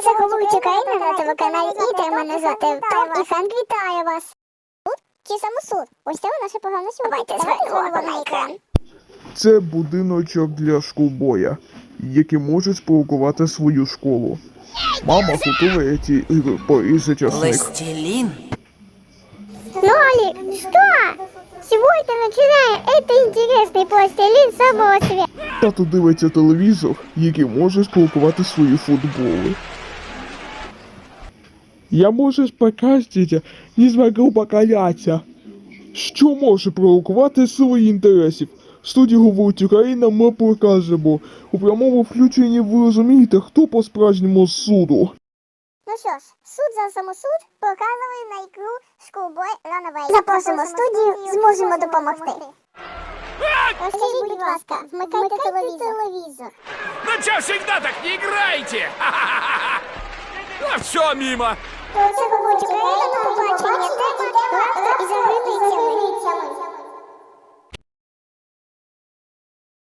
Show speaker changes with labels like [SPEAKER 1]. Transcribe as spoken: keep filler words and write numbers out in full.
[SPEAKER 1] Це говорить Україна на телеканалі Інтер. Мене звати Том і Фен вітає вас. Суд чи самосуд? Ось це наша програма сьогодні. Давайте звернемо на екран.
[SPEAKER 2] Це будиночок для школбоя, який може спровокувати свою школу. Мама готує ці ігри порізати часник.
[SPEAKER 3] Пластилин?
[SPEAKER 1] Нолик, что? Сегодня начинаем это интересный пластилин самого света.
[SPEAKER 2] Тато дивиться телевізор, який може спровокувати свої футболи. Я можу спокастити, не змогу покаляться. Що може провокувати свої інтересів? В студії говорить Україна, ми покажемо. У прямому включенні ви розумієте, хто по-справжньому з суду.
[SPEAKER 1] Ну що ж, суд за самосуд показує на ікру Schoolboy Runaway. Запросимо студію, зможемо допомогти. Розкажіть, будь ласка, вмикайте телевізор.
[SPEAKER 4] Ну чё всегда так не играете? А все мимо.
[SPEAKER 1] Це говорить Україна, на побачення, те